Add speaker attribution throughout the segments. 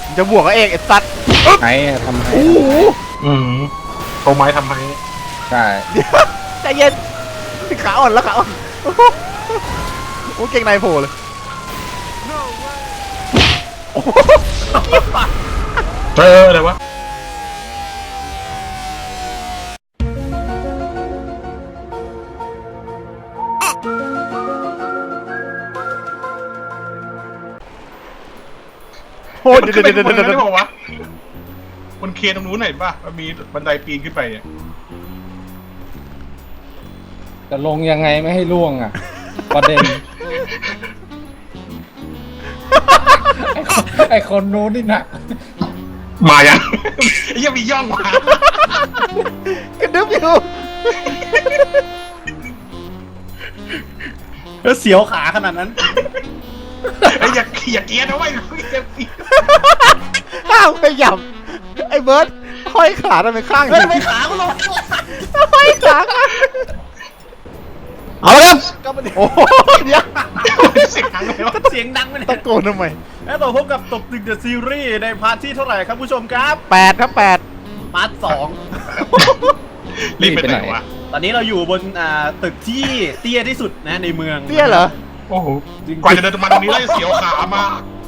Speaker 1: จะบวกกับเอกไอ้สัตว์
Speaker 2: ไอ้ทำให้
Speaker 1: โอ้โห
Speaker 3: โชว์ไม้ทำไม
Speaker 2: ใช่
Speaker 1: ใจเย็นขาอ่อนแล้วขาอ่อนโอ้โหโอ้เก่งในโผล่เลยโอ้โห
Speaker 3: อะไรวะ
Speaker 1: โอ้ย
Speaker 3: มัน
Speaker 1: เดี๋ยว
Speaker 3: ขึ้น
Speaker 1: เดี๋ยว
Speaker 3: ไป
Speaker 1: เดี๋ยว
Speaker 3: บน
Speaker 1: เดี๋ยว
Speaker 3: นั้นได้บอกวะบนเคตรงนู้นไหนป่ะมันมีบันไดปีนขึ้นไปเนี่ย
Speaker 2: จะลงยังไงไม่ให้ล่วงอ่ะ ประเด็น ไอ้คนนู้นนี่หนัก
Speaker 3: มายังไอ้ยังมีย่องมาก
Speaker 1: ระดึ๊บอยู่
Speaker 4: แล้วเสียวขาขนาดนั้น
Speaker 3: ไอ้อย่าเกียร์นะเว้ยอย่าเกียร์
Speaker 1: ข้าวไปหยับไอ้เบิร์ดห้อยขาทำไมข้าง
Speaker 4: เฮ้ยทำไมขากูลง
Speaker 1: ห้อยขาข้าง
Speaker 4: เอาละครับ
Speaker 1: ก็มันโอ้โหเดี๋ยว
Speaker 3: เสียงดังเลยวะ
Speaker 4: เสียงดังไปเลย
Speaker 1: ตะโกนทำไม
Speaker 4: แล้วต่อพบกับตบตึกเดอะซีรีส์ในพาร์ทที่เท่าไหร่ครับผู้ชมครับ
Speaker 1: 8 ครับ
Speaker 4: พาร์ทสอง
Speaker 3: รีบไปไหนวะ
Speaker 4: ตอนนี้เราอยู่บนตึกที่เตี้ยที่สุดนะในเมือง
Speaker 1: 8 เตี้ยเหรอ
Speaker 3: โอ้โหกว่าจะเดินมาตรงนี้ได้เสียวขามา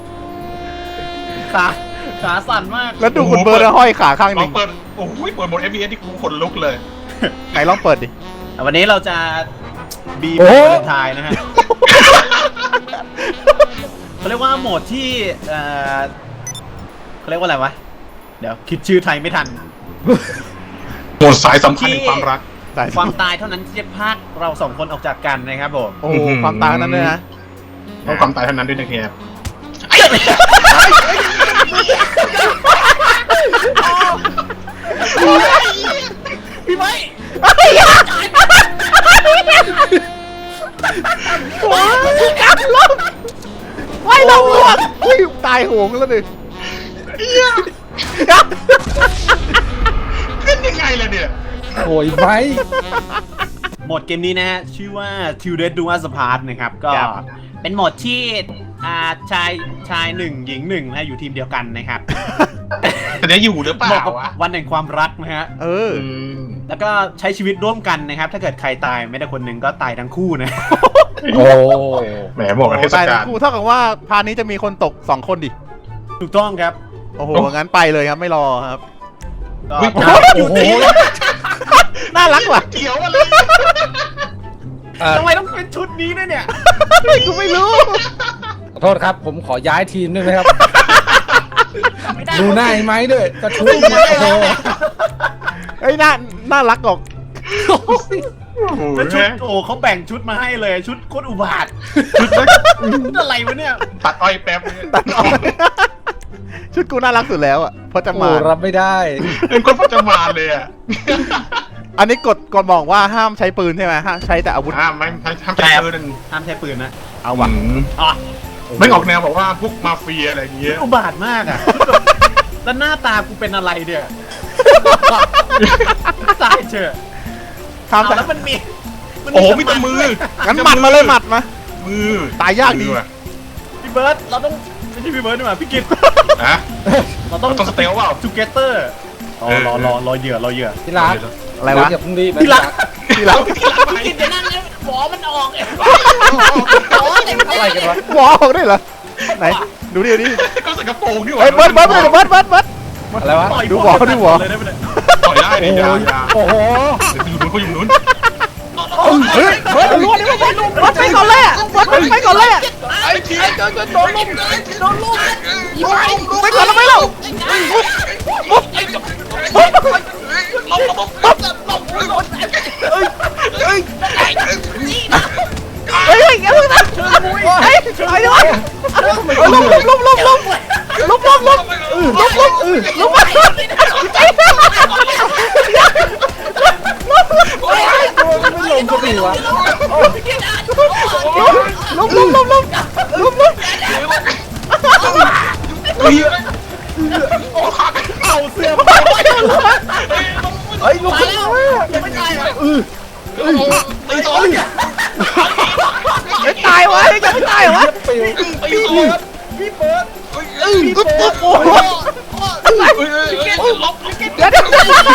Speaker 4: ขาสั่นมาก
Speaker 1: แล้วดูคุณเบิร์ดห้อยขาข้างห
Speaker 3: ลอ
Speaker 1: นึ่
Speaker 3: ง
Speaker 1: ง
Speaker 3: เปิดโอ้โหเปิดหมด FPS ที่กูขนลุกเลย
Speaker 1: ไหนลองเปิดดิ
Speaker 4: วันนี้เราจะบี
Speaker 1: โอ้
Speaker 4: วาเลนไทน์นะฮะเขาเรียกว่าโหมดที่เขาเรียกว่าอะไรวะเดี๋ยวคิดชื่อไทยไม่ทัน
Speaker 3: หมดสายสัมพันธ์แห่งความรัก
Speaker 4: ความตายเท่านั้นที่จะพากเราสองคนออกจากกันนะครับผม
Speaker 1: โอ้โหความต่างนั้นเลยนะ
Speaker 3: ต้องความตายเท่านั้นด้วยนะครับ
Speaker 4: พี่ไม้
Speaker 1: โอ้ยกัดลมไว้ลมลวกอุ้ยตายโหงแล้วดิ
Speaker 3: ขึ้นยังไงล่ะเนี่ย
Speaker 2: โอยไหม
Speaker 4: โหมดเกมนี้นะฮะชื่อว่า Till Death Do Us Part นะครับก็เป็นโหมดที่ชายหนึ่งหญิงหนึ่งนะอยู่ทีมเดียวกันนะครับ
Speaker 3: แต่จะอยู่หรือเป
Speaker 4: เหมาะ
Speaker 3: ล่า
Speaker 4: กับ
Speaker 3: วะ
Speaker 4: วันแห่งความรักนะฮะ
Speaker 1: เออ
Speaker 4: แล้วก็ใช้ชีวิตร่วมกันนะครับ ถ้าเกิดใครตายไม่ได้คนหนึ่งก็ตายทั้งคู่นะ
Speaker 2: โอ้
Speaker 3: แหมบอกกับเทศ
Speaker 1: ตาย
Speaker 3: กา
Speaker 1: ทั้
Speaker 3: ล
Speaker 1: งคู่เท่ากับว่าพาร์ทนี้จะมีคนตก2 คนดิ
Speaker 4: ถูกต้องครับ
Speaker 1: โอ้โห งั้นไปเลยครับไม่รอครับ
Speaker 4: ก็
Speaker 2: โอ้โห
Speaker 1: น่ารักว่ะ
Speaker 3: เกี่ยวอะไร
Speaker 4: ทำไมต้องเป็นชุดนี้ด้วยเนี่ย
Speaker 1: กูไม่รู้
Speaker 2: ขอโทษครับ ผมขอย้ายทีมด้วยนะครับ ดูหน้าไอ้ไม้ด้วยกระทุ้งเนี่ยโอ้โห
Speaker 1: เฮ้ยน่ารักออก
Speaker 4: แล้วชุดโอ้เขาแบ่งชุดมาให้เลยชุดโคตรอุบาทชุดอะไรวะเนี่ย
Speaker 3: ตัดอ้อยแป๊บ
Speaker 1: ตัดออกชุดกูน่ารักสุดแล้วอ่ะเพราะจะ
Speaker 2: โอ้
Speaker 1: มา
Speaker 2: รับไม่ได้
Speaker 3: เป็นคนพจมานเลยอ่ะ
Speaker 1: อันนี้กฎบอกว่าห้ามใช้ปืนใช่ไหมห้ามใช้แต่อาวุธ
Speaker 3: ห้ามใช้ปืน
Speaker 4: ห้ามใช้ปืนนะ
Speaker 1: เอาว่ะ
Speaker 4: อ๋อ
Speaker 3: ไม่ออกแนวแบบว่าพวกมาเฟียอะไรอย่างเงี้ย
Speaker 4: อุบาทมากอ่ะแล้วหน้าตากูเป็นอะไรเนี่ยตายเถอะ
Speaker 1: ห้าม
Speaker 4: เอา
Speaker 1: ใช้
Speaker 4: แล้วมันมี
Speaker 3: โอ้โหมีแต่มือ
Speaker 1: งั้นหมัดมาเลยหมัดมา
Speaker 3: มือ
Speaker 1: ตายยากดี
Speaker 4: พี่เบิร์ดเราต้องไม่ใช่พี่เบิร์ดดีกว่าพี่กิต
Speaker 3: ฮะ
Speaker 4: เราต้อง
Speaker 3: ต้องสเตลเปล่า
Speaker 4: ทูเกเตอร์รอเหยื่อ
Speaker 2: ที่รัก
Speaker 1: อะไรวะ
Speaker 2: อย่าเพิ่งรีบ
Speaker 4: ที่รัก
Speaker 1: ที่รัก
Speaker 4: พี่กิตจะนั่งแล้วหมอมันออกเองหมอเต็ม
Speaker 2: อะไรกันวะ
Speaker 1: หมอออกได้เหรอไหนดูดิดูดิ
Speaker 3: ก็ใส่กระโปรงนี่ห
Speaker 1: เฮ้
Speaker 3: ว่าย
Speaker 1: เบิร์ด
Speaker 2: อะไรวะ
Speaker 4: ต่อย
Speaker 1: ดูหมอดูหมอ
Speaker 4: เลยได้ไหมเนี่ย
Speaker 3: ต่อยได้ดิยา
Speaker 2: โอ้โห
Speaker 3: อยู่นู้นเขาอยู่นู้น
Speaker 1: เฮ้ยเบิร์ดรวดดิเบิร์ดไปก่อนเลยอ่ะเบิร์ดไปก่อนเลยอ่ะ
Speaker 3: ไอ้ที
Speaker 1: โดนลุมไปก่อนแล้วไม่เล่าเฮ้ยอย่าเพิ่งนะเฮ้ยไปด้วยลุม
Speaker 2: ไม่ลงก็ดีวะ
Speaker 1: ลุม
Speaker 4: เอาเสื้อ
Speaker 1: เฮ้ยลุม
Speaker 4: ยังไม่ตายเหรอ
Speaker 3: ตีต่อย
Speaker 1: ไม่ตายวะยังไม่ตายวะ
Speaker 2: ปิว
Speaker 3: ตีต่อย
Speaker 4: พี่เบิร์ด
Speaker 1: ตุ๊บตุ๊บโอ้โห
Speaker 3: ลบ
Speaker 1: เดี๋ยวเดี๋ยว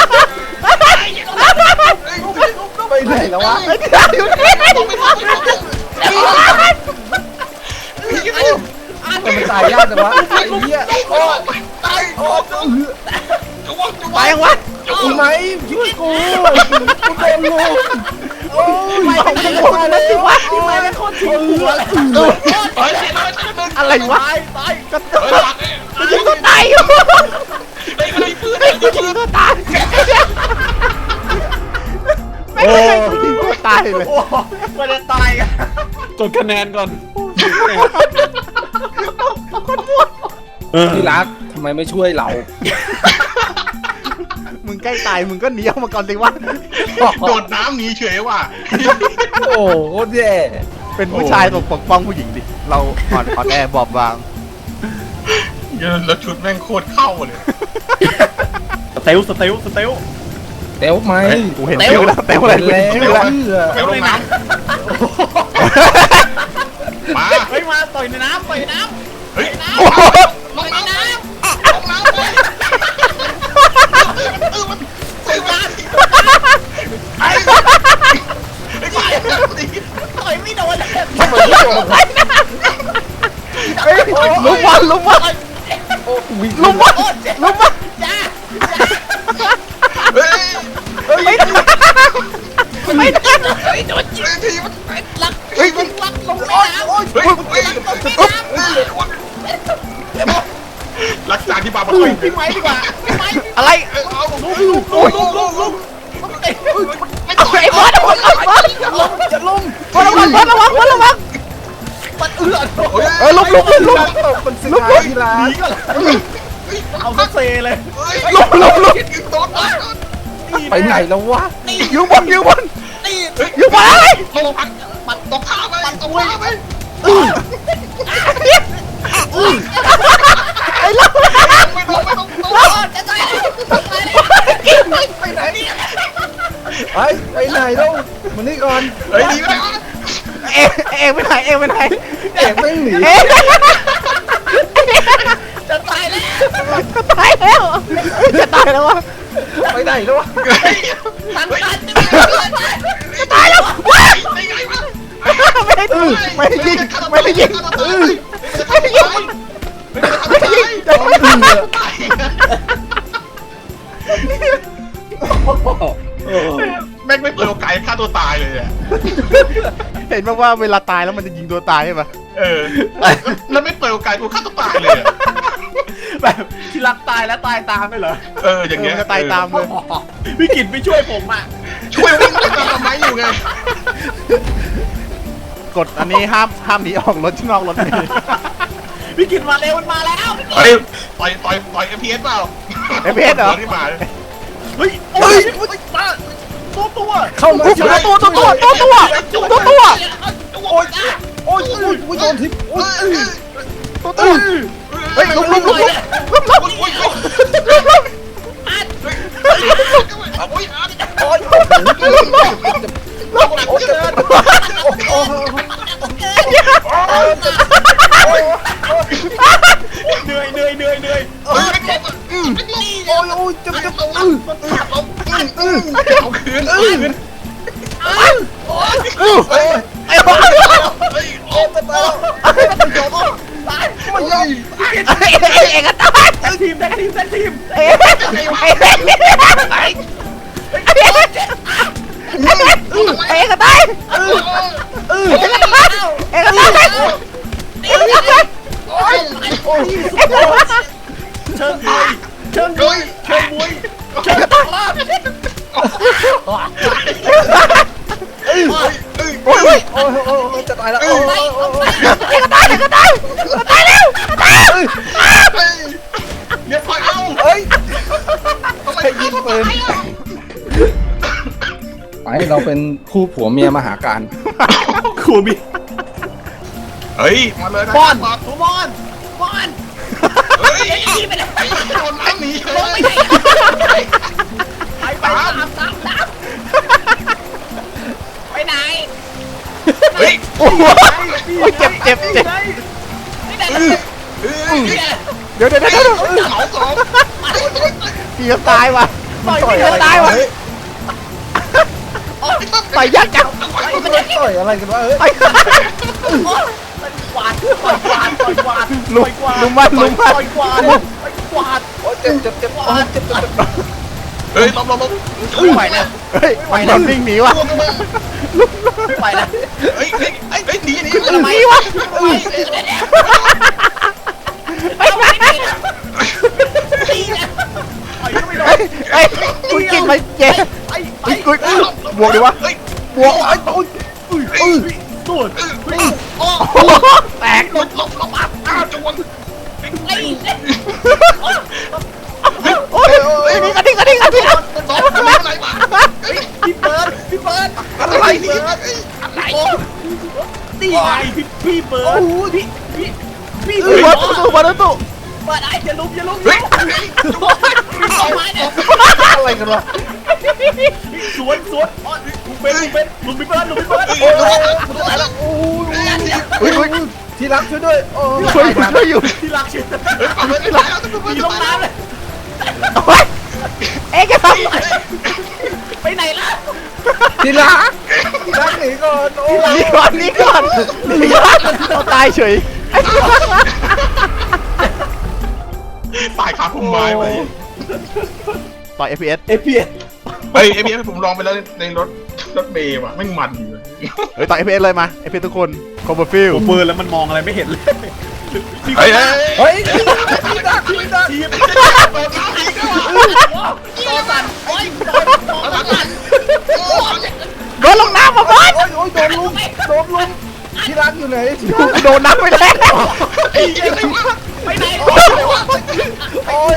Speaker 2: ไปไหนแล้ววะ
Speaker 1: ไอ้ที่อยู่นี่
Speaker 2: มันตายยากจังวะไอ้เหี้ยโอ้
Speaker 3: ตายโอ้จะว่า
Speaker 1: ตายยังวะ
Speaker 2: กูไหมช่วยกูกูโดนลุมโอ้ย
Speaker 1: ไม่ของจะโดนนะสิวะ
Speaker 2: ไม่เป็นคนทิ้งหัวเลย
Speaker 1: อะไรวะก็
Speaker 3: เฮ้ย
Speaker 1: กูยิงตัวตายอยู่
Speaker 3: ไอ้ไอ้ปืน
Speaker 1: กูยิงตัวตายไม่ใช่กูยิงตัวตายเลย
Speaker 4: มันจะตายกันกดคะแนนก่อน
Speaker 2: ที่รักทำไมไม่ช่วยเรา
Speaker 1: มึงใกล้ตายมึงก็หนีออกมาก่อนสิวะ
Speaker 3: โดดน้ำหนีเฉยว่ะ
Speaker 2: โอ้โหแย่
Speaker 1: เป็นผู้ชายต้องปกป้องผู้หญิงดิเราอ่อนแอบอบบาง
Speaker 3: แล้วชุดแม่งโคตรเข้าเลย
Speaker 4: สเตล
Speaker 2: เต้วไหม
Speaker 1: กูเห็นชื่อแล้วแต่ว่าอะไร
Speaker 2: แล้
Speaker 1: เป็นชื่อแล้ว
Speaker 3: เดี๋ยวลงน้ำมา
Speaker 4: เฮ้ยมาต่อยในน้ำ
Speaker 3: เฮ้ย
Speaker 1: โอ้โห
Speaker 3: ลงน้ำลงน้ำเลยมันใส่มาไอ้
Speaker 4: ต่อยไม่โดน
Speaker 1: เฮ้ยลุมวันลุมวันลุมวันลุมวัน
Speaker 4: จ้า
Speaker 3: เฮ้ย
Speaker 1: ไม่ได้ไม่ได้
Speaker 3: ทีมัน
Speaker 4: ลัก
Speaker 1: เฮ้ย
Speaker 4: ลักลงในน้ำ
Speaker 3: เฮ้ยรักษาที่บาร์บีคิว
Speaker 4: พี่ไม้ดีกว่าพี่ไม้
Speaker 1: อะไร
Speaker 3: เอาลุก
Speaker 1: โอ้ย
Speaker 3: ไม่ต่อย
Speaker 1: ไอ้บอสบอสบอส
Speaker 2: จะล้ม
Speaker 1: บอสระวังบอสระวังบอสระวัง
Speaker 4: มันเอื้อน
Speaker 1: ลุมลุมลุมลุม
Speaker 2: ตกเป็นสินค้าที่รัก
Speaker 4: เอาซะเซเลย
Speaker 1: ลุมลุมลุม
Speaker 3: โดน
Speaker 2: ไปไหนแล้ววะ
Speaker 1: อยู่บนอยู่บน
Speaker 4: นี่
Speaker 1: อยู่บนอะไร
Speaker 3: ลงพันมันตกท่าไปตกท่าไป
Speaker 1: ไอ้ลุม
Speaker 3: ไม่ต้อง
Speaker 4: จะตาย
Speaker 2: ไปไหนไปไหนแล้วมานี่ก่อน
Speaker 3: เฮ้ยดีไหม
Speaker 1: เองไปไหนเองไปไหน
Speaker 2: เอกไม่หนี
Speaker 1: เอง
Speaker 4: จะตายแล้ว
Speaker 1: จะตายแล้วจะตายแล้ววะ
Speaker 2: ไปไหนแล้ววะ
Speaker 4: ทัน
Speaker 1: จะตายแล้วว้า
Speaker 3: ได้ไงวะ
Speaker 1: ไม่ได้ยิงไม่ได้ยิงไม่ได้ยิงไม่ได้ยิงจะไม่ยิง
Speaker 3: แม่งไม่เปิดโอกาสฆ่าตัวตายเลยอ่ะ
Speaker 1: เห็นไหมว่าเวลาตายแล้วมันจะยิงตัวตายใช่ปะ
Speaker 3: แล้วไม่เปิดโอกาสกูฆ่าตัวตายเลย
Speaker 4: แบบที่รักตายแล้วตายตามได้เหรอ
Speaker 3: อย่างเงี้ย
Speaker 1: จะตายตามเลย
Speaker 4: พี่กิตไม่ช่วยผมอ่ะ
Speaker 3: ช่วยวิ่งไปตามทำไมอยู่ไง
Speaker 1: กดอันนี้ห้ามหนีออกรถนอกรถนี่
Speaker 4: พี่กิตมาเร็วมันมาแล้ว
Speaker 3: ต่อย FPS เปล่า
Speaker 1: FPS เหรอ
Speaker 3: ที่มา
Speaker 4: เฮ้ยโอ้ยมาตัว
Speaker 2: เข้ามา
Speaker 1: ตัว
Speaker 2: ช่วย
Speaker 1: โอ้ย
Speaker 2: โอ้ยโดนทิพโอ้ย
Speaker 1: ตัวเฮ้ยลุม
Speaker 3: โ
Speaker 1: อา
Speaker 3: ้ย
Speaker 4: เหนื่อย
Speaker 2: โอ้ยจะ
Speaker 3: เอาคืน
Speaker 1: ไอ้บ้า
Speaker 2: ไม่ยอม
Speaker 1: เองก็ตาย
Speaker 4: แท็กทีม
Speaker 1: เองเองก็ตายเองก็ตาย
Speaker 4: เชิงมวย
Speaker 1: โอ้ย
Speaker 2: โอ้ยจะตายแล้ว
Speaker 1: เองก็ตายแล้ว
Speaker 3: เดี๋ยวคอยเอา
Speaker 2: เฮ้ย
Speaker 3: ทำไม
Speaker 2: ให้ยิงปืนไปเราเป็นคู่ผัวเมียมหาการ
Speaker 4: ครูมี
Speaker 3: เฮ้ยมาเลยนะ
Speaker 4: บอล
Speaker 3: เฮ้ยโดนน้ำหนีเลย
Speaker 4: ไปตามไปไหน
Speaker 3: เฮ้ย
Speaker 1: โอ้ยเจ็บ
Speaker 4: ไปไหน
Speaker 1: เดี๋ยว
Speaker 3: เหมาสอง
Speaker 1: พี่จะตายว่ะต่อยจะตายว่ะต่อยยักษ์จัง
Speaker 2: ต่อยอะไรกันวะ
Speaker 1: ลุมมัน
Speaker 2: เจ็บเจ็บ
Speaker 3: เฮ้ยลบ
Speaker 4: ไม่ไหวแล้ว
Speaker 1: เฮ้ยมันโดนวิ่งหนีว่ะ
Speaker 4: ไม่ไหวแล้ว
Speaker 3: เฮ้ยหนี
Speaker 1: หนีว่ะไอ้คุณกินไปเจ๊กุยบวกดิวะบวกไอ้ตุ้ย
Speaker 4: ตูด
Speaker 1: แตก
Speaker 3: ลบจวน
Speaker 1: โอ้ยนี่กระดิ่ง
Speaker 3: อะไรมา
Speaker 4: พี่เบิร์ด
Speaker 3: อะไรนี่
Speaker 4: ตีไงพี่เบิร์ดพี่
Speaker 1: บอลตู้
Speaker 4: เปิดไอ้อย่าลุก
Speaker 3: เฮ้ย
Speaker 2: อะไรกันวะ
Speaker 4: สวนลุงเป็นพี่เบิร์ด
Speaker 2: ที่รักช่วยด้วยโอ้
Speaker 1: ช่วยอยู่
Speaker 4: ที่รักชื่อ
Speaker 3: ที่รัก
Speaker 4: มีลงน้ำเลย
Speaker 1: เอ๊ะแกทำ
Speaker 4: ไปไหนล่ะ
Speaker 2: ที่รักหนีก่อนโอ้
Speaker 1: นี่ก่อนเราตายเฉย
Speaker 3: ตายคาพุ่มไม้ไป
Speaker 1: ต่อย FPS
Speaker 3: เฮ้ยเอฟผมลองไปแล้วในรถเมย์ว่ะไม่มันอยู่
Speaker 1: เฮ้ยต่อย FPS เลยมา FPS ทุกคนคอมเบอร์ฟิล
Speaker 4: ผมเบิร์ดแล้วมันมองอะไรไม่เห็นเลย
Speaker 3: เฮ้ย
Speaker 2: ที่รัก
Speaker 4: ทีมตัวสั่นโอ้ยตัวสั่น
Speaker 1: โดนลงน้ำมาบอล
Speaker 2: โอ้ยโดนลุมที่รักอยู่ไหน
Speaker 1: โดนน้ำไปแล้ว
Speaker 4: ไปไหน
Speaker 2: โอ้ย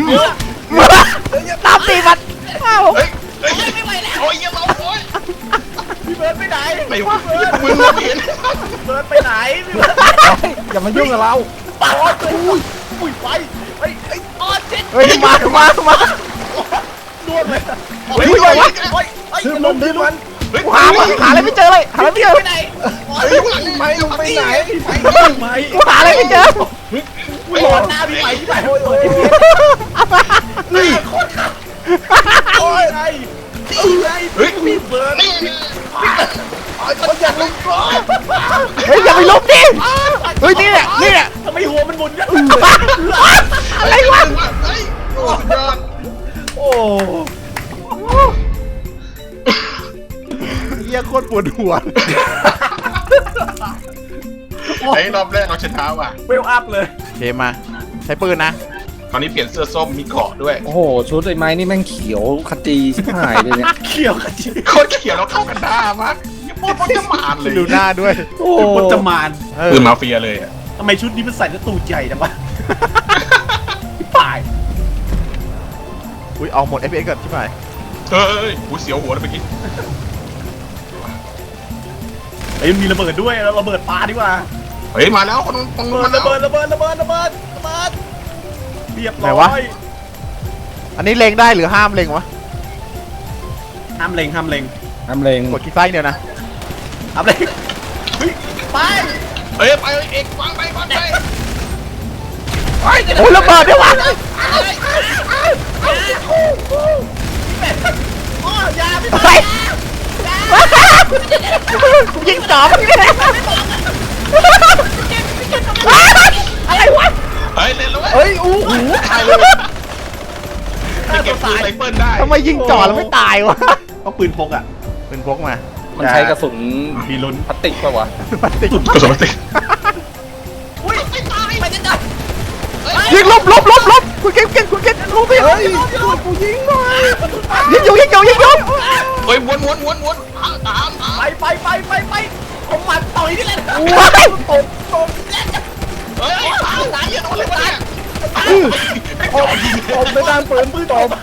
Speaker 1: ตามตีมันอ้าว
Speaker 4: ไม่ไหวแล้ว
Speaker 3: โอ้ยยังเราโอ้ย
Speaker 4: พี่เบิร์ดไปไหน
Speaker 3: ไหนวะมึงเราเห็น
Speaker 4: เบิร์ดไปไหนพี่เบิร์ด
Speaker 2: อย่ามายุ่งกับเรา
Speaker 4: โอ้ยอุ้ยไปไอ้ออเจ็ด
Speaker 1: เฮ้ยมา
Speaker 4: ดวงเลย
Speaker 3: เฮ้ย
Speaker 2: ซื้อมันซื้อมัน
Speaker 1: หาอะไรไม่เจอเลยหาอะไรไม่เจอ
Speaker 4: ไปไหน
Speaker 2: ไม่ลุงไปไหน
Speaker 1: กูหาอะไรไม่เจอ
Speaker 4: โดนหน้าพี่ใหม่พี่ใหม่โอ้ยนี่คนขับโอ้ยไงพี่เบิร์ด
Speaker 2: คนอยากลุงก็
Speaker 1: เฮ้ยอย่าไปลุกดิเฮ้ยนี่แหละ
Speaker 4: ทำไมหัวมันหมุนกัน
Speaker 1: อะไรวะ
Speaker 3: โอ้สุดยอด
Speaker 2: โอ้
Speaker 1: เฮียโคตรปวดหัว
Speaker 3: ไอ้รอบแรกเราชนะว่ะ
Speaker 4: เวลอัพเลย
Speaker 1: เกมมาใช้ปืนนะ
Speaker 3: คราวนี้เปลี่ยนเสื้อส้มมีเกาะด้วย
Speaker 2: โอ้โหชุดไอ้ไม้นี่แม่งเขียวขจีชิบหายเลยเนี่ย
Speaker 4: เขี่ยวกันจี
Speaker 3: โคตรเขียวแล้วเข้ากันได้มากยังพูดมันจะมาเลย
Speaker 1: ดูหน้าด้วย
Speaker 2: โอ้
Speaker 4: พจมาน
Speaker 3: คือมาเฟียเลยอ่ะ
Speaker 4: ทำไมชุดนี้มันใส่แล้วตูดใหญ่จังวะป่าย
Speaker 1: อุ้ยเอาหมด FPS ก่อนที่ไหน
Speaker 3: เฮ้ยหูเสียวหัวเลยเมื่อกี้
Speaker 4: ไอ้ยมันมีระเบิดด้วยเราระเบิดปลาดีกว่า
Speaker 3: เฮ้ยมาแล้วคนตรงนู้นมาแล้ว
Speaker 4: ระเบิดเรียบร้อย
Speaker 1: อันนี้เล็งได้หรือห้ามเล็งวะ
Speaker 4: ห้ามเล็ง
Speaker 2: ทำเลง
Speaker 1: กดคลิกซ้ายเดียวนะ
Speaker 4: ห้ามเล็งไป
Speaker 3: เฮ้ยไปเอกวางไป
Speaker 1: โอ้ยระเบิดด้วยวะ
Speaker 4: ยาพี่
Speaker 1: ไปยิงจอบอะไรวะ
Speaker 3: เฮ้ยเล่นแล้ว
Speaker 2: เฮ้ยอู้หู
Speaker 3: ตายเลยเก็บปืนไรเฟิลได้
Speaker 1: ทำไมยิงจ่อแล้วไม่ตายวะ
Speaker 4: ก็ปืนพกอ่ะ
Speaker 1: เป็นพกมา
Speaker 2: มันใช้กระสุน
Speaker 4: มีลุ้น
Speaker 2: พลาสติกป่าวะ
Speaker 1: มันติด
Speaker 3: กระสุนติด
Speaker 4: อุ้ยไม่ตายไปจะตาย
Speaker 1: ยิงลบคุณเก่งลบไป
Speaker 2: เฮ้ยกูยิงหน่อย
Speaker 1: ยิงอยู่
Speaker 3: เฮ้ยวนตาม
Speaker 4: ไปผมมาต่อยนี่แหละ
Speaker 3: เฮ้ยตายอย่าโดนเลยเนี่ย
Speaker 2: ตบไม่ได้ปืนตบ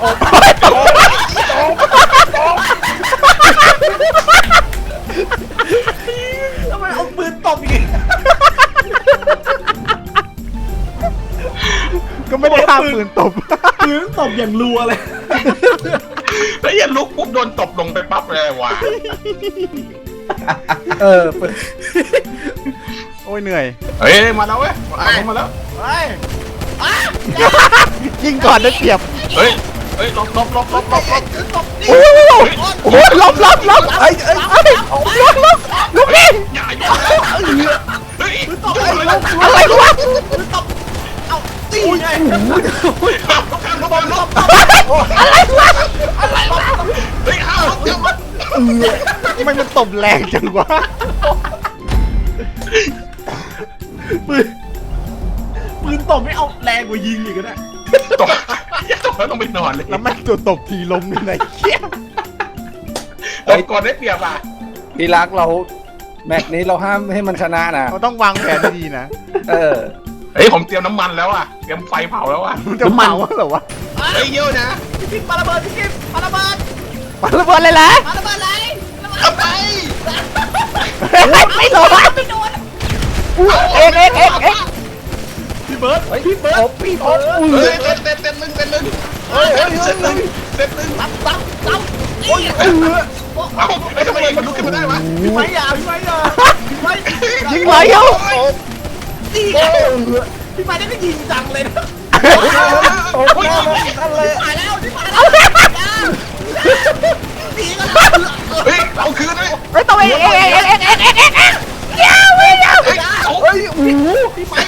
Speaker 4: ทำไมเอาปืนตบอีก
Speaker 1: ก็ไม่ได้ห้ามปืนตบ
Speaker 4: ปืนตบอย่างรัวเลย
Speaker 3: แล้วอย่าลุกปุ๊บโดนตบลงไปปั๊บเลยว่ะ
Speaker 2: ปืน
Speaker 1: โอ้ยเหนื่อย
Speaker 3: เฮ้ยมาแล้วเว้ยมาแล้ว
Speaker 4: ไป
Speaker 1: ยิงก่อนได้เปรียบ
Speaker 3: เฮ้ยลบ
Speaker 1: โอ้โหล้มไอ้ลูกพี่
Speaker 3: อย่าเฮ้ย
Speaker 1: อะไรวะ
Speaker 4: ตีไง
Speaker 3: ลบ
Speaker 1: อะไรวะ
Speaker 3: เฮ้ยห้าวเดี๋ยว
Speaker 1: ทำไมมันตบแรงจังวะ
Speaker 4: ปืนตบไม่เอาแรงกว่ายิงอีกนะ
Speaker 3: ตกแล้วต้องไปนอนเลย
Speaker 1: แล้วแม่งตัวตบทีล้มนี่ไหนเขี้ย
Speaker 3: ก่อนได้เปรียบอ่ะ
Speaker 2: ที่รักเราแมตช์นี้เราห้ามให้มันชนะนะ
Speaker 1: เราต้องวางแผนดีๆนะ
Speaker 2: เออ
Speaker 3: เฮ้ยผมเตรียมน้ำมันแล้วอ่ะเตรียมไฟเผาแล้วอ่ะ
Speaker 1: มันจะเผาเหรอวะ
Speaker 3: เฮ้ยเยอะนะ
Speaker 4: พี่กิ๊บปาระเบิดพี่กิ๊บปาระเบิด
Speaker 1: ปาระเบิดเลยแหละ
Speaker 4: ปาระเบิดเลย
Speaker 3: เอาไป
Speaker 1: ไม่โดน
Speaker 4: ไม่โดน
Speaker 1: เอ็ก
Speaker 4: พี่เบิร์ดพี่เบิร์ดพี่เบิร์ด
Speaker 3: เฮ้ยเต้นหนึ่งเต้นหนึ่ง
Speaker 4: ตั้มโอ้ย
Speaker 3: เอาไอ้ทำไมมันลุกขึ้นมาได้วะ
Speaker 4: พี่ไม้ยาพี่ไม้
Speaker 1: ยิงไหลเอ้า
Speaker 4: ตีพี่ไม้ได้ก็ยิงจังเลยนะ
Speaker 2: โอ้โหนั่นเลย
Speaker 4: ตายแล้วพี่ไม้ตีกัน
Speaker 3: เฮ้ยเอาคืนเลย
Speaker 1: ไม่ต้องเอ็กยาวไม่ยาว
Speaker 3: เฮ้ยเอา
Speaker 2: เฮ้ยโอ้โห
Speaker 4: พี่ไม้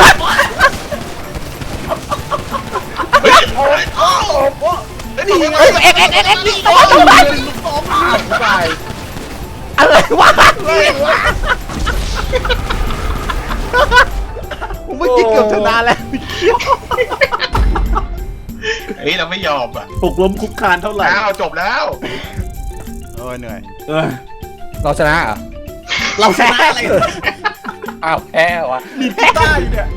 Speaker 3: เฮ้ยเอาเอา
Speaker 1: เอ็กยิงตัวไป
Speaker 2: ตาย
Speaker 1: อะไรวะผมเมื่อกี้เกือบชนะแล้ว
Speaker 3: เฮ้ยเราไม่ยอมอ่ะ
Speaker 4: ปลุกล้มคุกคานเท่าไหร่
Speaker 3: เราจบแล้ว
Speaker 1: โอ้ยเหนื่อย
Speaker 2: เราชนะเหรอ
Speaker 4: เราชนะอะไร
Speaker 2: อ้าวแพ้วะ
Speaker 4: ดีกีตาร์อยู่เนี่ย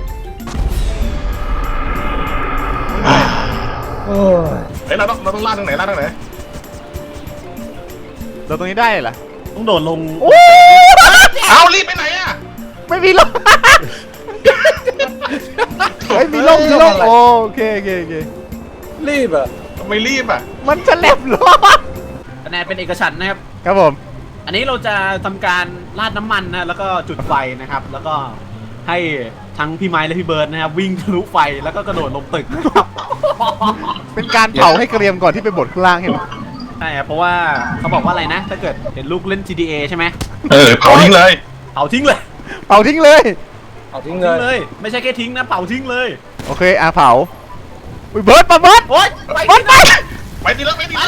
Speaker 2: โอ้ย
Speaker 3: เฮ้ยเราต้องล่าตรงไหนล่าตรงไหน
Speaker 1: เราตรงนี้ได้เหรอ
Speaker 4: ต้องโดดลง
Speaker 1: โอ้
Speaker 3: เอารีบไปไหนอ่ะ
Speaker 1: ไม่มีลมไม่มีลมโอเค
Speaker 2: รีบอ่ะ
Speaker 3: ทำไมรีบอ่ะ
Speaker 1: มันจะแหลมลม
Speaker 4: คะแนนเป็นเอกฉันท์นะครับ
Speaker 1: ครับผม
Speaker 4: อันนี้เราจะทำการราดน้ำมันนะแล้วก็จุดไฟนะครับ แล้วก็ให้ทั้งพี่ไม้และพี่เบิร์ดนะครับวิ่งทะลุไฟแล้วก็กระโดดลงตึกนะครับ
Speaker 1: เป็นการเผาให้เกรียมก่อนที่ไปบดข้างล่างเห็นไหม
Speaker 4: ใช่ครับเพราะว่าเขาบอกว่าอะไรนะ ถ้าเกิดเห็นลูกเล่น GTA ใช่ไหม
Speaker 3: เผาทิ้งเลย
Speaker 4: เผาทิ้งเลย
Speaker 1: เผาทิ้งเลย
Speaker 2: เอาทิ้ง
Speaker 4: ทิ้ง
Speaker 2: เล
Speaker 4: เลย ย ไม่ใช่แค่ทิ้งนะเผาทิ้งเลย
Speaker 1: โอเคเผาเบิร์ดมาเบิร์ด
Speaker 4: โอ๊ยไป
Speaker 1: เบิร์ดไป
Speaker 3: ไปดีแล้วไปดีแล้ว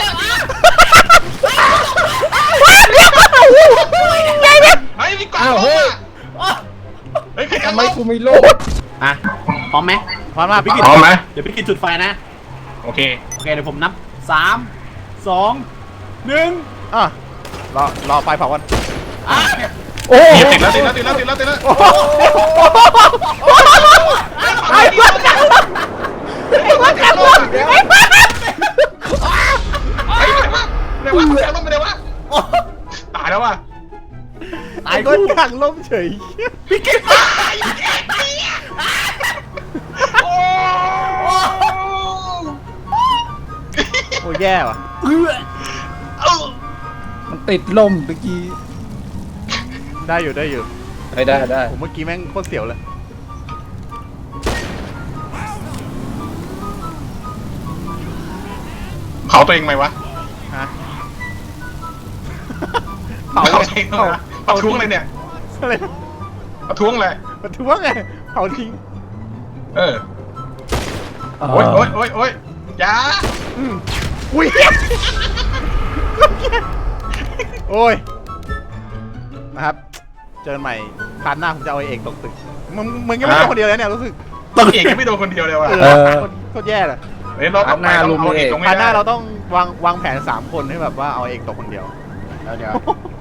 Speaker 1: ไงเนี่ย
Speaker 3: เฮ้ยมีกล่อง
Speaker 2: อ้าวเฮ้ย
Speaker 3: เฮ้ยใคร
Speaker 2: ทำ
Speaker 3: ทำ
Speaker 2: ไม
Speaker 3: ไม
Speaker 2: กูไม่โลด
Speaker 4: อ่ะพร้อมไหม
Speaker 1: พร้อมมาพี่กิต
Speaker 3: พร้อมไหม
Speaker 4: เดี๋ยวพี่กินจุดไฟนะ
Speaker 3: โอเค
Speaker 4: โอเคเดี๋ยวผมนับ3 2 1
Speaker 1: อ่ะรอไฟเผากัน
Speaker 4: อ่ะ
Speaker 1: โอ้
Speaker 3: ติดแล้ว
Speaker 1: ไอ้เบิร์ดจังไอ้เบิร์ดจังไอ้เบิร์ด
Speaker 3: ไอ้ไหนวะไหนวะตายแล้วว่ะ
Speaker 4: ตาย
Speaker 1: ไอ้เบิร์ด
Speaker 4: คู่
Speaker 1: จังล้มเฉย
Speaker 4: พี่กิน
Speaker 3: โอ้
Speaker 1: โอ้แย่ว่ะ
Speaker 2: มันติดลมเมื่อกี้
Speaker 1: ได้อยู่
Speaker 2: ได้
Speaker 1: ผมเมื่อกี้แม่งโคตรเสียวเลย
Speaker 3: เผาตัวเองไหมวะ
Speaker 1: ฮะ
Speaker 3: เผาตัวเองนะประท้วงอะไรเนี่ย
Speaker 1: อะไร
Speaker 3: ประท้วงอะไร
Speaker 1: มันถือว่าไงเผาทิ้ง
Speaker 3: โอ๊ยจ้า
Speaker 1: อุ้ยโอ้ยนะครับเจอกันใหม่คราวหน้าผมจะเอาไอ้เอกตกตึกมึงยังไม่โดนคนเดียวแล้วเนี่ยรู้สึก
Speaker 3: ต้องเอกไม่โดนคนเดียวเลยว่ะ
Speaker 1: โคตรแย่เลย
Speaker 3: เฮ้ยเราต้องไปต้องเอาเอกตรง
Speaker 1: คราวหน้า
Speaker 3: นี้
Speaker 1: เราต้องวางแผน3 คนให้แบบว่าเอาเอกตกคนเดียวเดี๋ยว